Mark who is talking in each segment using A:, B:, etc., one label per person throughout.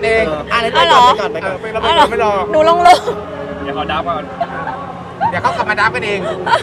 A: เอง
B: อะไร
C: อ๋อเหรอ
B: ไปก่อน
A: ไปเราไม่รอ
C: หนูลง
D: เดี๋ยวเขาดับก่อน
A: เดี๋ยวเขากลับมาดับกันเอง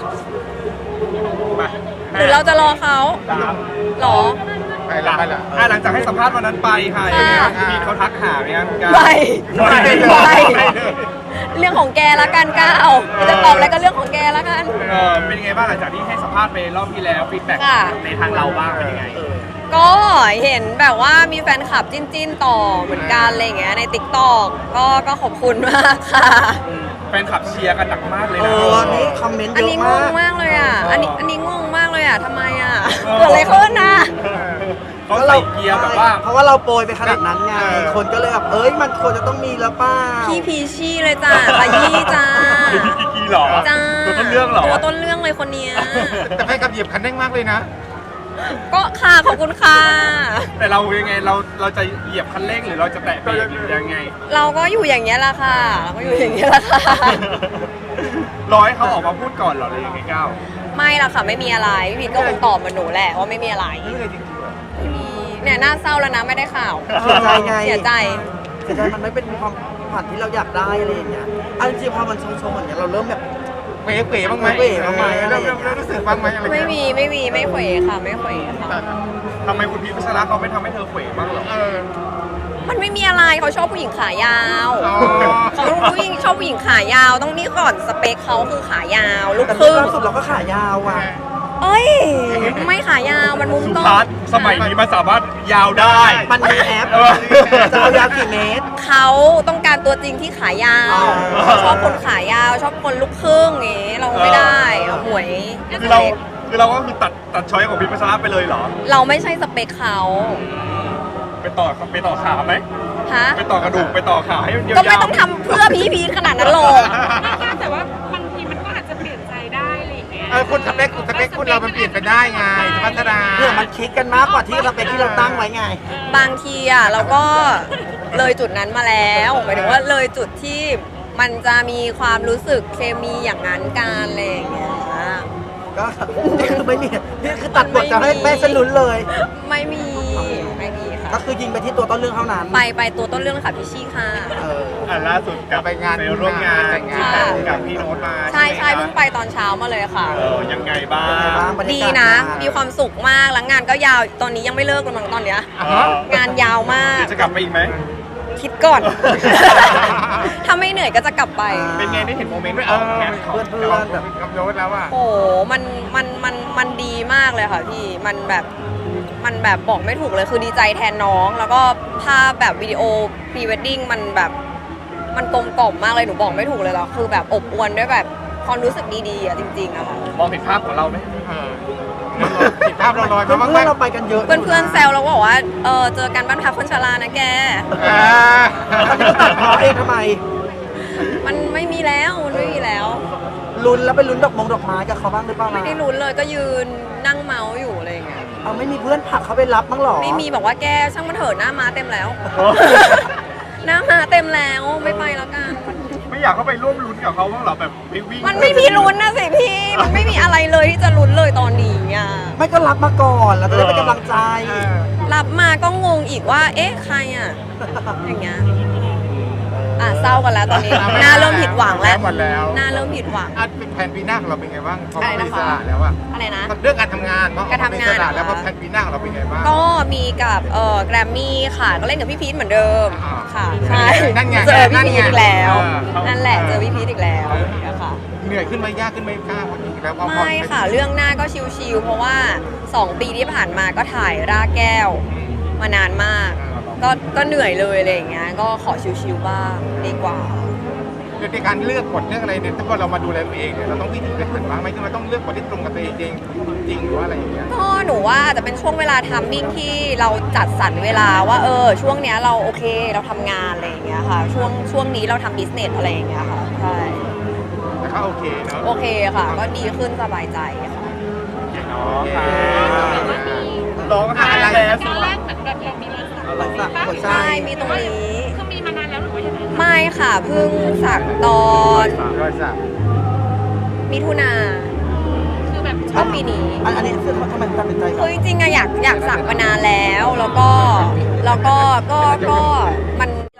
A: มา
C: หรือเราจะรอเขา
D: ดับ
C: หรอ
A: ไปละไปละ
D: หลังจากให้สัมภาษณ์วันนั้นไปค่ะยังไงบ้างมีเขาทักหาไหมครับคุณก้าว
C: ไม่
A: ไม่
C: เรื่องของแกละกันก้าวจะตอบอะไรก็เรื่องของแกละกัน
D: เป็นยังไงบ้างหลังจากที่ให้สัมภาษณ์ไปรอบที่แล้วฟีดแบ็ก
C: ค่ะ
D: ในทางเราบ้างเป็นยังไง
C: ก็เห็นแบบว่ามีแฟนคลับจิ้นต่อเหมือนกันอะไรอย่างเงี้ยใน TikTok ก็ขอบคุณมากค่ะ
D: แฟนคลับเชียร์กันหนักมากเลย
B: เอ
D: นะ
B: อนี่คอมเมนต์
C: อัน
B: เย
C: นี้
B: อะ
C: ง
B: มาง ก
C: มากเลยอ่ะ อันนี้งงมากเลยอ่ะทำไมอ่ะเกิดอะไรขึ้นนะ
D: เขาใส่เกียร์แบบว่า
B: เพราะว่าเราโปรยไปขนาดนั้นไงคนก็เลยแบบเอ้ยมันควรจะต้องมีแล้วป้า
C: พี่พีชี่เลยจ้าขยี้จ้า
D: พี่กีหรอ
C: จ้า
D: ตัวต้นเรื่องเหรอ
C: ตัวต้นเรื่องเลยคนเนี้ย
A: แต่แฟนกับเหยียบคันเร่งมากเลยนะ
C: ก็ค่ะขอบคุณค่ะ
D: แต่เรายังไงเราจะเหยียบคันเร่งหรือเราจะแตะเบรกหรือยังไง
C: เราก็อยู่อย่างเงี้ยแหละค่ะ เราก็อยู่อย่างเงี้ยแหละค่ะ
D: รอให้เขาออกมาพูดก่อนเหรอหรือยังไงก้าว
C: ไม่ละค่ะไม่มีอะไรพี่พีทก็คงตอบเหมือนหนูแหละว่าไม่มีอะไร
A: นี่เลยจริงๆเหรอ
C: ไม่มีเนี่ยน่าเศร้าแล้วนะไม่ได้ข่าว
B: เสียใจไง
C: เสียใจ
B: เสียใจมันไม่เป็นความฝันที่เราอยากได้อะไรอย่างเงี้ยอันจริงๆพอมันชงๆอย่างเงี้ยเราเริ่มแบบ
A: เป๋ๆบ้างไหม
B: เป๋ๆบ้างไหมอะไรอย่างเงี้ย
A: เริ่มรู้สึกบ้างไหมอะไร
C: ไม่มีไม่เขวค่ะไม่เขวค่ะ
D: ทำไมคุณพีชพัชระเขาไม่ทำให้เธอเขวบ้างเหรอ
A: เออ
C: มันไม่มีอะไรเขาชอบผู้หญิงขายาว
A: อ๋อ
C: เขาผู้หญิงชอบผู้หญิงขายาว ต้องนี่ก่อนสเปคเขาคือขายาวลูก
B: แต่
C: ครึ่ง
B: ล่าสุดเราก็ขายาวอ่ะ
C: เอ้ยไม่ขายาวมันมุม
D: สุ
C: ต้
D: พั
C: น
D: ฒน์สมัยนี้มันสามารถยาวได้
B: มันมีแอป
D: เออ
B: จะเอายาวกี่เมตร
C: เขาต้องการตัวจริงที่ขายาว
B: อ๋อ
C: เขาชอบคนขายาว ชอบคนลูกครึ่งอย่างงี้เราไม่ได้เราหวย
D: คือเราก็คือตัดช้อยของพีชพัชระไปเลยเหรอ
C: เราไม่ใช่สเปคเขา
D: ไปต่อขาไหม
C: ฮะ
D: ไปต่อกระดูกไปต่อขาให้มันยาวๆ
C: ก็ไม่ต้องทำเพื่อพีทขนาดนั้นหรอก
E: แต่ว่าบางทีมันก็อาจจะเปลี่ยนใจได้อะไรอย่างเงี้ย
A: เออคุณสเปคคุณเรามันเปลี่ยนไปได้ไงพัฒนา
B: เพื่อมันคลิกกันมากกว่าที่สเปคที่เราตั้งไว้ไง
C: บางทีอ่ะเราก็เลยจุดนั้นมาแล้วหมายถึงว่าเลยจุดที่มันจะมีความรู้สึกเคมีอย่างนั้นกันอะไรอย่างเงี้ย
B: ก็คือไม่มีนี่คือตัดบทจะให้แม่ฉันลุ้นเลย
C: ไม่มีค่ะ
B: ก็คือยิงไปที่ตัวต้นเรื่องเท่านั้น
C: ไปตัวต้นเรื่องค่ะพี่ชี่ค่ะ
B: เออ
D: ล่าสุดกลับ
A: ไปงาน
D: ไปร่วมงาน
A: แต่งงาน
D: กับพี่โน้ตมา
C: ใช่
D: ไหม
C: เพิ่งไปตอนเช้ามาเลยค่ะ
D: ยังไงบ้า
B: ยังไงบ้าง
D: ง
B: บรรยากาศ
C: ดีนะ มีความสุขมากแล้วงานก็ยาวตอนนี้ยังไม่เลิกเลยมั้งตอนเนี้ย
A: อ่ะฮะ
C: งานยาวมาก
D: เดี๋ยวจะกลับไปอีกไหม
C: คิดก่อน ถ้าไม่เหนื่อยก็จะกลับไป
D: เป็นไงได้เห็นโมเมนต์
A: เอ
D: ออก
A: อ
D: แคสของ
B: เพื่อนๆแบบ
A: กับโน้ตแล้วอ่ะ
C: โอ้โหมันดีมากเลยค่ะพี่ มันแบบบอกไม่ถูกเลย คือดีใจแทนน้อง แล้วก็ภาพแบบวิดีโอพรีเวดดิ้งมันแบบ มันกลมกล่อมมากเลย หนูบอกไม่ถูกเลยแล้วคือแบบอบอวลด้วยแบบความรู้สึกดีๆอ่ะจริงๆอะค่ะ
D: มองเห็นภาพของเราไหม
A: เออติดภาพเราลอย
B: เพื่
A: มาบ้างไหม
B: อนๆเราไปกันเยอะ
C: เพื่อนๆแซวแล้วบอกว่า เจอกันบ้านพักคนชรานะแก
A: อ่า
B: เขาจะตัดพอเองทำไม
C: มันไม่มีแล้วมันไม่มีแล้ว
B: ลุ้นแล้วไปลุ้นดอกไม้กับเขาบ้างหรือเปล่า
C: ไม่ได้ลุ้นเลยก็ยืนนั่งเมาส์อยู่อะไรอย่างเงี้ย
B: เอาไม่มีเพื่อนผลักเขาไปรับบ้างหรอ
C: ไม่มีบอกว่าแกช่างมันเถอะหน้าม้าเต็มแล้ว หน้าม้าเต็มแล้วไม่ไปแล้วกัน
D: ไม่อยากเข้าไปร่วมลุ้นกับเขาบ้างเหรอแบบไปวิ่ง
C: มันไม่มีลุ้นนะสิพี่ มันไม่มีอะไรเลยที่จะลุ้นเลยตอนนี้อ่ะ
B: ไม่ก็รับมาก่อนเราจะได้เป็นกำลังใจ
C: รับมาก็งงอีกว่า เอ๊ะใครอ่ะ อย่างเงี้ย อ่ะเศร้ากันแล้วตอนนี้ หน้าเริ่มผิดหวังแล้ว
A: หมดแล้ว
C: หน้าเริ่มผิดหวัง
A: อันเป็นแผนปีหน้าของเราเป็นไงบ้างพอ
C: อะไร
A: เป็
C: นะ
A: น
C: คะ
A: อิสระแล้วอ่ะ
C: อะไรนะ
A: เรื่องการทำงานเพราะ
C: การทำงาน
A: เป็นอิสระ
C: เหรอคะ
A: แล้วพอแผนปีหน้าของเราเป็นไงบ้าง
C: ก็มีกับแกรมมี่ค่ะ ก็เล่นกับพี่พีทเหมือนเดิม
A: อ่า
C: ค่ะ ใช่
A: นั่นไง
C: เจอพี่
A: นั่น
C: พี
A: ไง
C: ทอีกแล้ว
A: เออ
C: นั่นแหละเจอพี่พีทอีกแล้วค่ะ
A: เหนื่อยขึ้นไหมยากขึ้นไหมกล้าคนนี้แล้วพอ
C: ไม่ค่ะเรื่องหน้าก็ชิวๆเพราะว่า 2 ปีที่ผ่านมาก็ถ่ายรากแก้วมานานมาก ก็เหนื่อยเลยอะไรอย่างเงี้ยก็ขอชิวๆบ้างดีกว่า
A: ในการเลือกบทเรื่องอะไรเนี่ยถ้าเรามาดูแลตัวเองเนี่ยเราต้องวิธีเป็นบ้างไหมที่มันต้องเลือกบทที่ตรงกับตัวเองจริงหรือว่าอะไรอย่างเงี้ย
C: ก็หนูว่าอาจจะเป็นช่วงเวลาทัมมิ่งที่เราจัดสรรเวลาว่าช่วงเนี้ยเราโอเคเราทำงานอะไรอย่างเงี้ยค่ะ ช่วงนี้เราทำบิสเนสอะไรอย่างเงี้ยค่ะใช่
A: แต่ก็โอเคเนาะ
C: โอเคค่ะ ก็ดีขึ้นสบายใจค่ะ
D: อ๋อค่ะร้องไห้แล้ว
E: ตอนแรกเหมือนแบบเรามีรอยสัก
B: รอยสักหัวใจ
C: ใช่มีตรงนี้
E: คือมีมานานแล้วหรือว่ายังไง
C: ไม่ค่ะเพิ่งสักตอน
A: รอยสัก
C: มิถุนา
E: คือแบบ
C: ช่วงปีนี้
B: อันนี้คือทำไมตัดสินใจก่
C: คือ อน จริงๆอะอยากสักมานานแล้ว แล้วก็มัน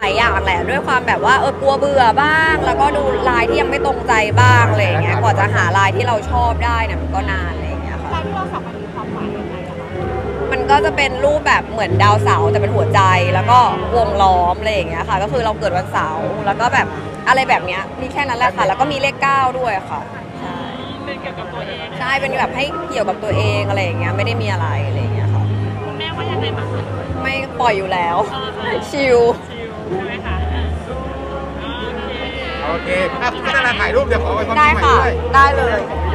C: ด้วยความแบบว่ากลัวเบื่อบ้าง แล้วก็ดูลายที่ยังไม่ตรงใจบ้างอะไรอย่างเงี้ยกว่าจะหาลายที่เราชอบได้เนี่ยมันก็นานอะไรอย่างเงี้ยค่ะ
E: ลายที่เราสองคนมีความหมายยังไงอะคะ
C: มันก็จะเป็นรูปแบบเหมือนดาวเสาร์แต่เป็นหัวใจแล้วก็วงล้อมอะไรอย่างเงี้ยค่ะ ก็คือเราเกิดวันเสาร์แล้วก็แบบอะไรแบบเนี้ยมีแค่นั้นแหละค่ะ แล้วก็มีเลข 9ด้วยค่ะใช่
E: เป็นเกี่ยวกับตัวเอง
C: ใช่เป็นแบบให้เกี่ยวกับตัวเองอะไรอย่างเงี้ยไม่ได้มีอะไรอะไรอย่างเงี้ยค่ะ
E: คุณแม่ว่ายังไงบ้างคะ
C: ไม่ปล่อยอยู่แล้วชิล
E: ชิลใช่ไหมคะโอเค
A: โอเคถ้าพัฒนาถ่ายรูปเดี๋ยวขอไว้ความ
C: ได้
A: คิดใหม่
C: ค่ะ
A: ด้วย
C: ได้เลย
A: โ